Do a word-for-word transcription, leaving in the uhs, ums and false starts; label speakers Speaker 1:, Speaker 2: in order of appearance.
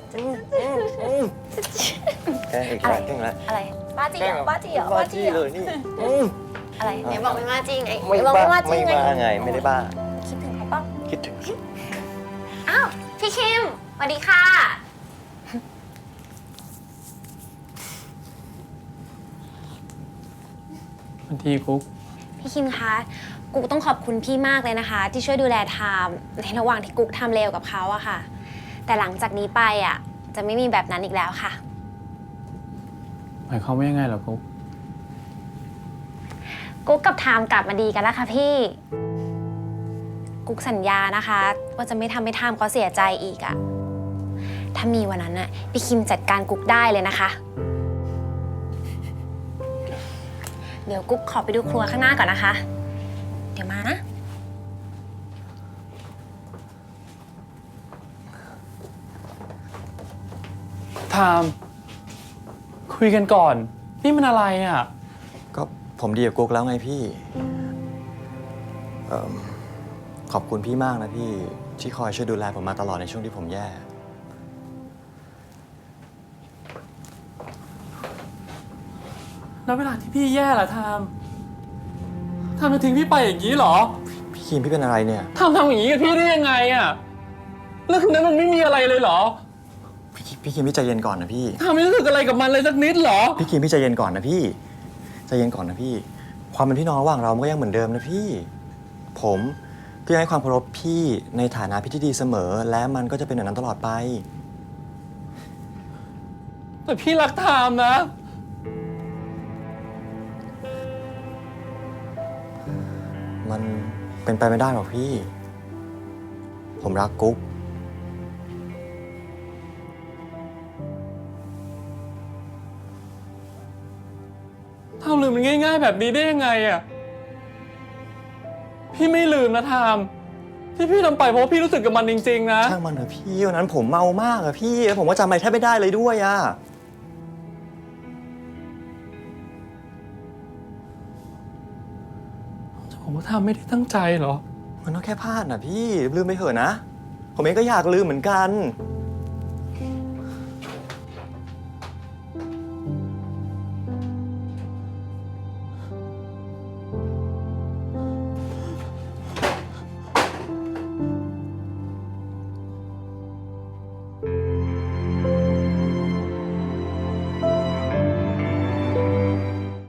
Speaker 1: แกล้งอีกแล้วแกล้งแล้ว
Speaker 2: อะไรบ้าจีเหรอบ้าจีเหรอ
Speaker 1: บ้าจี้เลยนี่
Speaker 2: อะไรไหนบอกไม่บ้าจีไง
Speaker 1: ไม่
Speaker 2: บอก
Speaker 1: บ้า
Speaker 2: ไม่บ้าจี
Speaker 1: ไม่
Speaker 2: ไง
Speaker 1: บ้าไงไม่ได้บ้า
Speaker 2: คิดถึงเขาเปล่า
Speaker 1: คิดถึง
Speaker 2: อ้าวพี่คิมสวัสดีค่ะ
Speaker 3: บางทีกุ๊ก
Speaker 2: พี่คิมคะกุ๊กต้องขอบคุณพี่มากเลยนะคะ ที่ช่วยดูแลไทม์ในระหว่างที่กุ๊กทำเลวกับเขาอะค่ะ แต่หลังจากนี้ไปอะจะไม่มีแบบนั้นอีกแล้วค่ะ
Speaker 3: หมายความว่ายังไงเหรอกุ๊ก
Speaker 2: กุ๊กกับไทม์กลับมาดีกันแล้วค่ะพี่ กุ๊กสัญญานะคะ ว่าจะไม่ทำให้ไทม์เขาเสียใจอีกอะถ้ามีวันนั้นอะพี่คิมจัดการกุ๊กได้เลยนะคะ เดี๋ยวกุ๊กขอไปดูครัวข้างหน้าก่อนนะคะ เดี๋ยวมานะ
Speaker 3: ไทม์คุยกันก่อน นี่มันอะไรอ่ะ
Speaker 1: ก็ผมดีกับกุ๊กแล้วไงพี่เอิ่มขอบคุณพี่มากนะพี่ที่คอยช่วยดูแลผมมาตลอดในช่วงที่ผมแย่
Speaker 3: แล้วเวลาที่พี่แย่ล่ะไทม์ไทม์จะทิ้งพี่ไปอย่างนี้เหรอ
Speaker 1: พี่คิมพี่เป็นอะไรเนี่ย
Speaker 3: ไทม์ทำอย่างนี้กับพี่ได้ยังไงอ่ะเรื่องนั้นมันไม่มีอะไรเลยเหรอ
Speaker 1: พี่คิมพี่คิมพี่ใจเย็นก่อนนะพี่
Speaker 3: ไทม์ไม่รู้สึกอะไรกับมันเลยสักนิดเหรอ
Speaker 1: พี่คิมพี่ใจเย็นก่อนนะพี่ใจเย็นก่อนนะพี่ ความเป็นพี่น้องระหว่างเรามันก็ยังเหมือนเดิมนะพี่ ผมก็ยังให้ความเคารพพี่ในฐานะพี่ที่ดีเสมอ และมันก็จะเป็นอย่างนั้นตลอดไป
Speaker 3: แต่พี่รักไทม์นะ
Speaker 1: มันเป็นไปไม่ได้หรอกพี่ ผมรักกุ๊ก
Speaker 3: ทำลืมมันง่ายๆแบบนี้ได้ยังไงอ่ะ พี่ไม่ลืมนะไทม์ที่พี่ทำไปเพราะว่าพี่รู้สึกกับมันจริงๆนะ
Speaker 1: ช่างมันเถอะพี่วันนั้นผมเมามากอะพี่แล้วผมก็จำอะไรแทบไม่ได้เลยด้วยอะ
Speaker 3: ผมว่าไทม์ไม่ได้ตั้งใจเหรอ
Speaker 1: มันก็แค่พลาดนะพี่ลืมไปเถอะนะ ผมเองก็อยากลืมเหมือนกัน
Speaker 3: ไ